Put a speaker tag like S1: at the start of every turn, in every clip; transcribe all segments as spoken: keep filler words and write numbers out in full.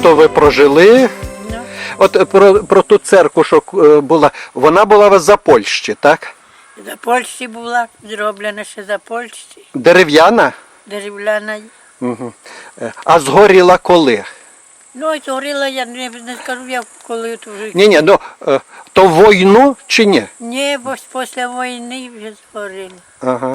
S1: багато ви прожили.
S2: Ну,
S1: От про, про ту церкву, що е, була, вона була у вас за Польщі, так?
S2: за Польщі була, зроблена ще за Польщі,
S1: Дерев'яна?
S2: дерев'яна.
S1: Угу. А згоріла коли?
S2: Ну, і згоріла, я не, не скажу, я коли то вже.
S1: Ні, ні, ну е, то війну чи ні?
S2: Ні, бо ж після війни вже згоріла.
S1: Ага.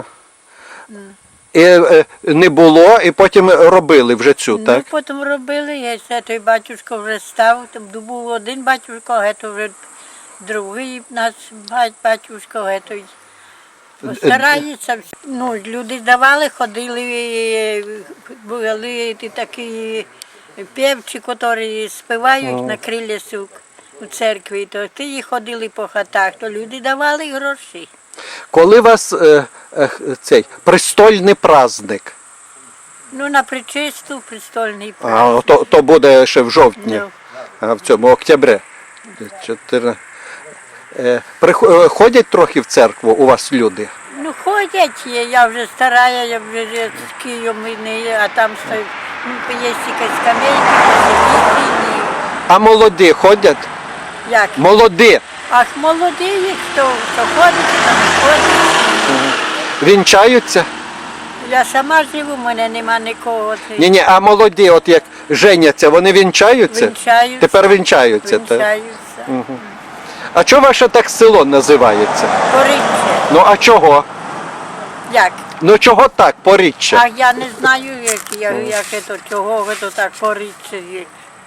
S1: І е, не було, і потім робили вже цю,
S2: Ну,
S1: так?
S2: потім робили, я ще той батюшко вже став, там був один батюшко, а то вже другий наш бать- батюшко, а той старається. Ну, люди давали, ходили, були ті такі певчі, які співають на крилесі у церкві, то ті ходили по хатах, то люди давали гроші.
S1: Коли у вас е, е, цей престольний праздник?
S2: Ну, на причисту престольний
S1: А,
S2: праздник.
S1: то, то буде ще в жовтні,
S2: Ну.
S1: а, в цьому октябрі. Чотири. Е, прихо- е, ходять трохи в церкву у вас люди?
S2: Ну, ходять, є, я вже стара, я вже з Києвом не є, а там стоїть, ну, є тільки скамейки, посидіти,
S1: А молоді ходять?
S2: як?
S1: Молоді.
S2: Ах, молоді є, хто, хто ходить, хто не ходить.
S1: Вінчаються?
S2: Я сама живу, в мене нема нікого.
S1: Ні, ні, а молоді, от як женяться, вони вінчаються?
S2: Вінчаються.
S1: Тепер вінчаються. Так?
S2: Вінчаються.
S1: А чого ваше так село називається?
S2: Поріччя.
S1: Ну а чого?
S2: Як?
S1: Ну чого так, поріччя?
S2: А я не знаю, як, я, як це, чого це так поріччя є.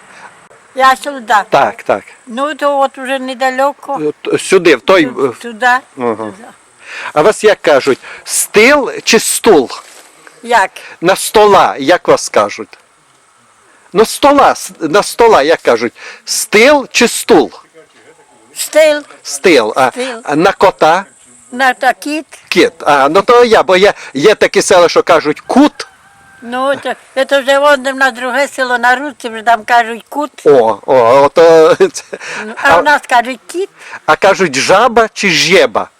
S2: Я сюди.
S1: Так, так.
S2: Ну, то от уже недалеко.
S1: От сюди, в той.
S2: Туди.
S1: Ага.
S2: Туди.
S1: А вас як кажуть, стил чи стул?
S2: Як?
S1: На стола, як вас кажуть? Ну, стола, с- на стола, як кажуть, стил чи стул?
S2: Стил.
S1: Стил. А,
S2: Стил.
S1: а на кота?
S2: На такіт.
S1: Кіт. А, ну то я, бо є, є такі села, що кажуть кут.
S2: Ну, то, це вже вон на друге село на Руці, вже там кажуть кут.
S1: О, о, ото, це.
S2: Ну, а
S1: А,
S2: в нас кажуть кіт.
S1: а кажуть жаба чи жєба?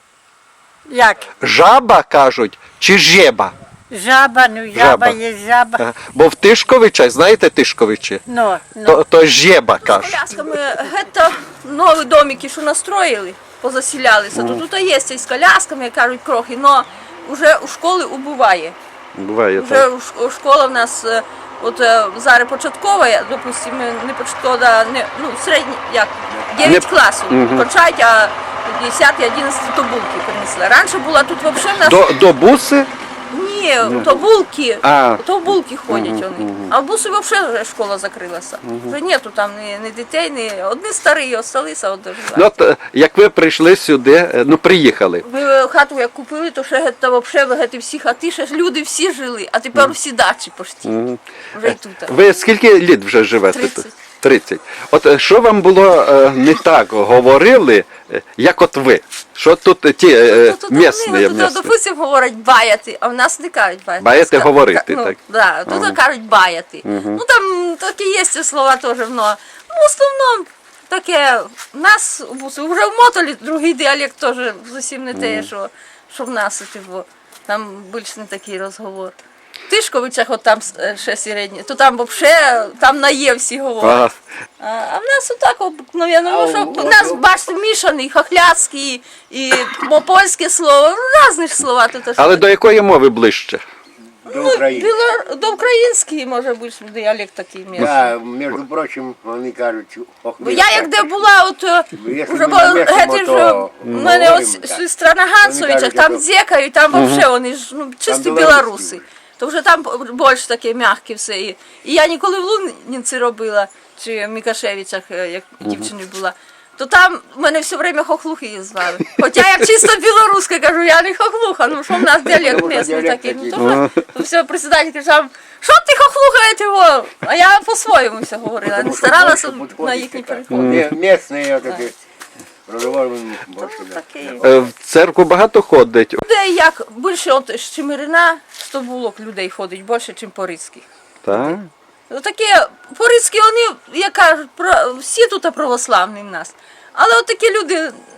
S2: Як?
S1: Жаба кажуть чи жєба?
S2: Жаба, ну жаба,
S1: Жаба.
S2: є жаба.
S1: Ага. Бо в Тишковичах, знаєте Тишковичі?
S2: Ну, ну.
S1: То, то жєба кажуть.
S3: Колясками гетто нові домики, що настроїли, позасілялися, то тут є і з колясками, кажуть, крохи, але вже у школи убуває.
S1: Буває
S3: Вже
S1: так.
S3: у ш- школа в нас, е, от е, зараз початкова, я, допустимо, не початкова, а не, ну, середні, як, дев'ять
S1: Не-
S3: класів кончають, а десятий, одинадцятий то булки принесли. Раніше була тут взагалі в нас...
S1: До, до буси?
S3: Ні, то булки,
S1: А.
S3: то булки ходять вони. А в бусі взагалі вже школа закрилася. Вже нету там ні, ні дітей, ні одні старі осталися. От,
S1: Ну, от, е, як ви прийшли сюди, е, ну приїхали.
S3: ми хату як купили, то ще та взагалі всі хати, ще ж люди всі жили, а тепер всі дачі почти. Вже й тут.
S1: Ви скільки літ вже живете тут?
S3: тридцять.
S1: тридцять. От е, що вам було е, не так говорили, е, як от ви? Що тут е, ті е,
S3: Тут, тут,
S1: місні?
S3: вони, тут,
S1: місні?
S3: допустим, говорять баяти, а в нас не кажуть баяти.
S1: Баяти
S3: Ска-
S1: говорити,
S3: ну,
S1: так?
S3: Да, тут кажуть баяти. Ну там такі є ці слова теж, но ну, в основному таке, в нас в Бусі, вже в Мотолі другий діалект теж зовсім не те, що, що в нас, типу, там більш не такий розговор. В Тишковичах, от там е, ще середні, то там взагалі, там на «є» всі говорять.
S1: А,
S3: А, а в нас отак обикновенно, ну, що, у нас, бачите, мішаний, хохляцький і польське слово, різні ж слова тут. аж.
S1: але до якої мови ближче?
S4: До
S3: Ну,
S4: України.
S3: біло- до української, може бути, діалект такий місний.
S4: Да, між прочим, вони кажуть, ох,
S3: Бо я як де була, от е,
S4: Якщо
S3: уже
S4: ми
S3: бо
S4: намішаємо,
S3: геть ж
S4: то
S3: у мене
S4: говоримо
S3: от
S4: так.
S3: сестра на Гансовичах,
S4: кажуть,
S3: там
S4: як-
S3: дзекають, там взагалі вони ж ну, чисті
S4: білоруські.
S3: білоруси. То вже там більш таке м'яке все. І і я ніколи в Лунінці робила, чи в Мікашевичах, е, як дівчиною була, то там мене все время хохлухи її звали. Хоча я чисто білоруська кажу, я не хохлуха, ну що в нас діалект
S4: Тому що
S3: місний
S4: діалект
S3: такий. Ну,
S4: такий.
S3: то, то все, председатель казав, що ти хохлухаєте його? А я по-своєму все говорила, не старалася на їхній переход.
S4: Місні такі. Розговоримо більше. да.
S3: Такий.
S1: Е, В церкву багато ходить.
S3: Людей як більше от з Чемерина, сто булок людей ходить, більше, ніж по-рицьких.
S1: Так?
S3: Ну, таке, по-рицьки вони, як кажуть, про- всі тут православні в нас. Але от такі люди,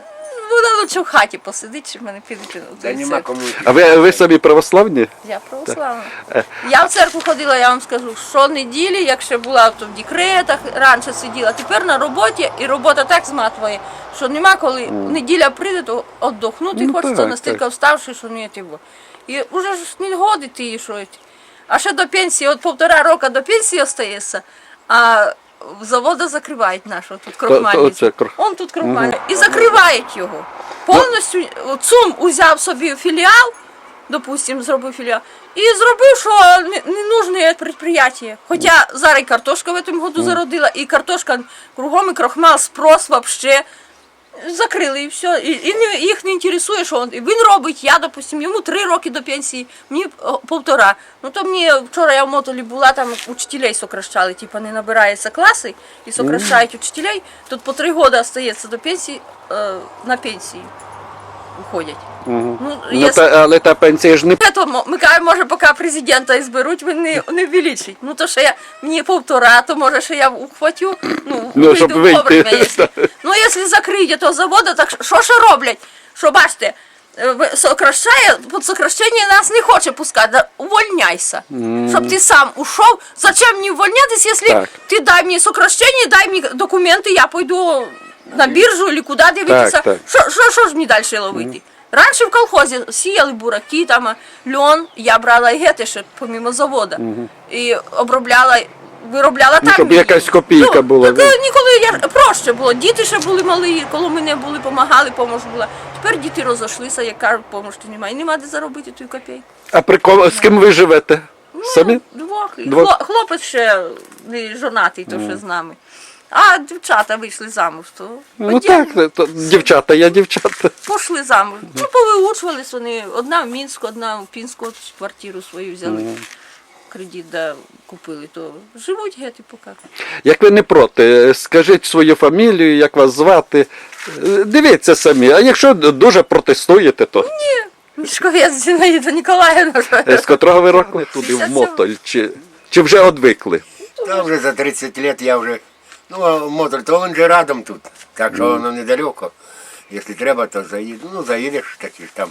S3: вона лучше в хаті посидить, щоб мене підуть.
S4: Та нема кому.
S1: А ви, ви самі православні?
S3: Я православна. Я в церкву ходила, я вам скажу, щонеділі, якщо була то в декретах, раніше сиділа, тепер на роботі, і робота так зматує, що нема коли неділя прийде, то віддохнути
S1: Ну,
S3: хочеться,
S1: так,
S3: настільки
S1: так.
S3: вставши, що не тиво. І вже ж не годити її, що. А ще до пенсії, от півтора року до пенсії остається, а завода закривають нашого тут крохмальницю.
S1: оце кр-
S3: Он тут крохмальний. І закривають його. Повністю ЦУМ узяв собі філіал, допустим, зробив філіал, і зробив, що не, не нужне підприємство. Хоча зараз і картошка в цьому году зародила, і картошка кругом, і крохмал, спрос вообще. Закрили і все. І, і не, їх не інтересує, що він, він робить. Я, допустим, йому три роки до пенсії, мені о, півтора. Ну то мені вчора я в Мотолі була, там учителей сокращали, типу не набираються класи і сокращають учителей. Тут по три роки остається до пенсії, е, на пенсії уходять. Ну,
S1: Ну,
S3: якщо-
S1: та, але та пенсія ж не...
S3: то мо- ми кажемо, може, поки президента і зберуть, він не, не ввеличить. Ну то ще я, мені півтора, то може ще я ухватю, ну,
S1: Ну, щоб
S3: вийду
S1: вийти.
S3: вовремя, якщо. Ну, якщо закриють того заводу, так що ще роблять? Що, бачите, е, ви- сокращає, під сокращення нас не хоче пускати, да, увольняйся. Щоб ти сам ушов. Зачем мені увольнятися, якщо
S1: Так.
S3: ти дай мені сокращення, дай мені документи, я пойду на біржу або куди дивитися.
S1: так.
S3: Що, що, що ж мені далі ловити? Раніше в колхозі сіяли бураки, там льон, я брала і гети ще помимо заводу. І обробляла, виробляла там.
S1: щоб
S3: її.
S1: якась копійка
S3: Ну,
S1: була,
S3: Так,
S1: ну.
S3: ніколи я проще було. Діти ще були малі, коли мене були, допомагали, помощ була. Тепер діти розійшлися, як кажуть, помощі немає. І нема де заробити ту копійку.
S1: А при ком, з ким ви живете? Самі?
S3: Двох. І
S1: Двох.
S3: хло- Хлопець ще не жонатий, то ще з нами. А дівчата вийшли замуж, то
S1: Ну
S3: отдельно.
S1: так, то, дівчата, я дівчата.
S3: Пішли замуж. Ну, повиучувались вони. Одна в Мінську, одна в Пінську, от квартиру свою взяли. Кредит да, купили, то живуть гети поки.
S1: Як ви не проти, скажіть свою фамілію, як вас звати. Е, Дивіться самі, а якщо дуже протестуєте, то
S3: Мішковець Зінаїда Ніколаївна.
S1: Е, з котрого ви року туди в Мотоль, чи, чи вже одвикли?
S4: Та вже за тридцять років я вже. Ну, а мотор, то він же рядом тут. Так що воно недалеко. Якщо треба, то заїду. Ну, заїдеш такі ж там.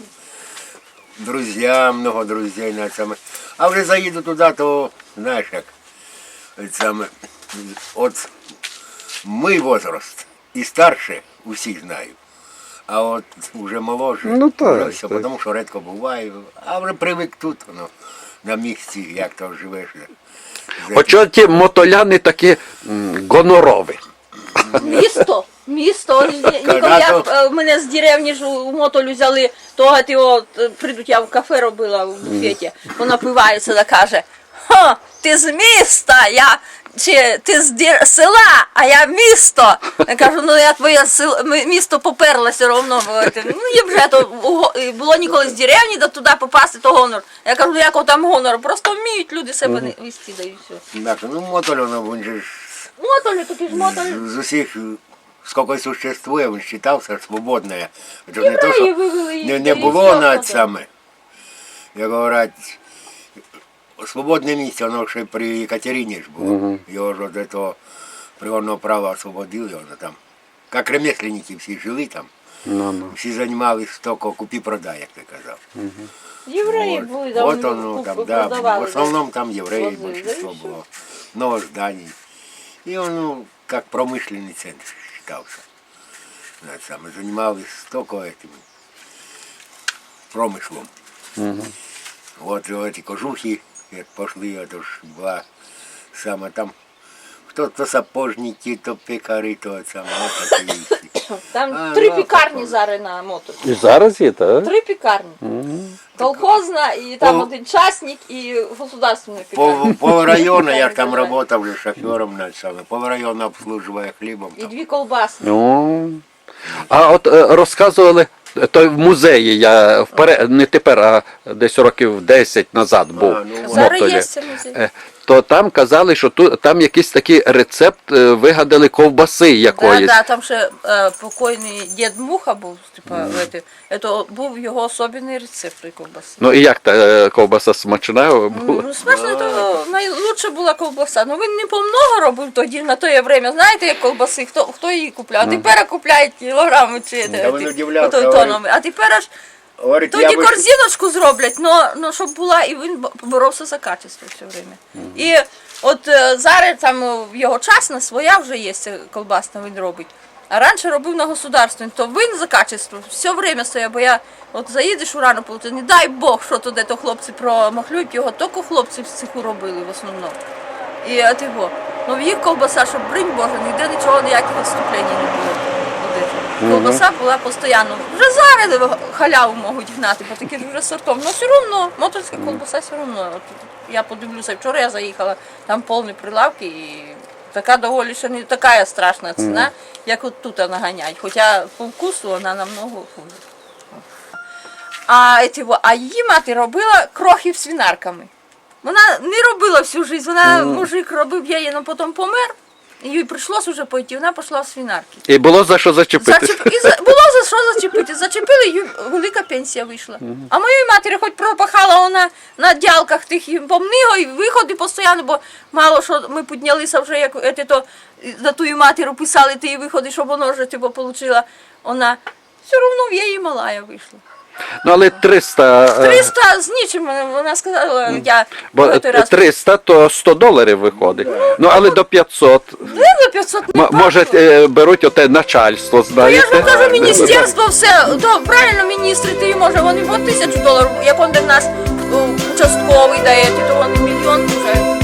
S4: Друзья, много друзей на саме. А вже заїду туди, то знаєш як. От саме. От мій возраст і старше усі знаю. А от вже молодше,
S1: Ну, так,
S4: вже все,
S1: так.
S4: тому що рідко буває. А вже привик тут, ну, на місці, як то живеш.
S1: Хоча ті мотоляни такі м, гонорові.
S3: Місто, місто. Ніколи я е, мене з деревні ж у Мотолю взяли, того ти от е, прийдуть, я в кафе робила в буфеті. Вона напивається та каже: «Ха, ти з міста, я чи ти з дір- села, а я місто. Я кажу, ну я твоє сел, ми- місто поперла все одно. Ну і вже то уго- і було ніколи з деревні до туди попасти, то гонор. Я кажу, ну якого там гонор, просто вміють люди себе не вести, да і все.
S4: Так, ну мотор, ну, він же ж
S3: Мотолю, такий ж мотоль.
S4: з усіх, скільки существує, він вважався свободною. Це не, то,
S3: Євреї
S4: що
S3: вивели їх,
S4: не,
S3: та
S4: не
S3: і
S4: було
S3: все,
S4: навіть
S3: що
S4: саме. Як говорять, свободне місце, воно ще при Екатерині ж було. Його ж від того природного права освободили, воно там. Як ремесленники всі жили там.
S1: Ну, ну.
S4: Всі займалися тільки купі-продай, як ти казав.
S3: Євреї
S4: Вот.
S3: були, да,
S4: Вот
S3: вони
S4: оно
S3: куп-
S4: там, да, в
S3: продавали,
S4: основном там евреи
S3: Возили,
S4: большинство
S3: да, и
S4: было. Много зданий. И он, ну, как промышленный центр считался. Знаете, там, и занимались только этим промыслом. Вот и эти кожухи как пошли, это ж была сама там. Кто то сапожники, то пекари, то это самое, вот такие вещи.
S3: Там
S4: А,
S3: три
S4: ну,
S3: пікарні зараз на мотор.
S1: І зараз є, так?
S3: Три пікарні. Колхозна, і там
S4: Пол-
S3: один частник, і государственна пікарня.
S4: Пол, пол района, я
S3: Так
S4: ж там
S3: называют.
S4: работал уже шофером, на самое, пол района обслуживая хлебом.
S3: І
S4: Там.
S3: дві колбаси.
S1: Ну. А от е, розказували, то в музеї я вперед, не тепер, а десь років десять назад був
S4: А, ну,
S1: в
S3: Зараз
S1: Мотолі.
S3: є це музей.
S1: Е, то там казали, що тут там якийсь такий рецепт е, вигадали ковбаси
S3: Да,
S1: якоїсь.
S3: да, там ще е, покойний дід Муха був, типа, mm. це був його особливий рецепт тої ковбаси.
S1: Ну і як та е, ковбаса смачна була?
S3: Ну, смачно, то найлучша була ковбаса. Ну він не помного робив тоді на те время. Знаєте, як ковбаси, хто, хто її купляв? А тепер купляють кілограми чи
S4: Да, він удивлявся,
S3: той
S4: говорить.
S3: тоном. А тепер аж
S4: Говорить,
S3: тоді
S4: я бы...
S3: корзиночку зроблять, но, но щоб була, і він боровся за качество все время. І от е, зараз там е, в його час на своя вже є ця колбасна, він робить. А раніше робив на государственній, то він за качество все время стояв, бо я от заїдеш у рану полоту, не дай Бог, що туди то хлопці промахлюють, його тільки хлопці в цеху робили в основному. І от його. Ну в їх колбаса, щоб бринь Боже, ніде нічого, ніяких відступлень не було. Колбаса була постійно. Вже зараз халяву можуть гнати, бо такі ж вже сортом. Ну все одно, моторська колбаса все одно. От я подивлюся, вчора я заїхала, там повні прилавки і така доволі ще не така страшна ціна, як от тут наганяють. Хоча по вкусу вона намного хуже. А, ці, а її мати робила крохів свинарками. Вона не робила всю життя, вона, мужик робив яєць, але потім помер. І їй прийшлося вже пойти, вона пішла в свинарки.
S1: І було за що зачепити.
S3: Зачеп... І за... Було за що зачепити. Зачепили, їй велика пенсія вийшла. А моїй матері хоч пропахала вона на дялках тих і помниго, і виходи постійно, бо мало що ми піднялися вже, як ете, то, на тую матіру писали ті виходи, щоб вона вже типу, отримала. Вона все одно в її малая вийшла.
S1: Ну але триста... е,
S3: триста з нічим, вона сказала, я
S1: Бо
S3: в той раз.
S1: триста то сто доларів виходить. Ну але до п'ятсот.
S3: Ну, за п'ятсот не
S1: М- може е, беруть оте начальство,
S3: Ну, я ж вам
S1: знаєте.
S3: кажу, міністерство все, то правильно міністри, ти може, вони по тисячу доларів, як он де в нас о, участковий дає, то вони мільйон вже.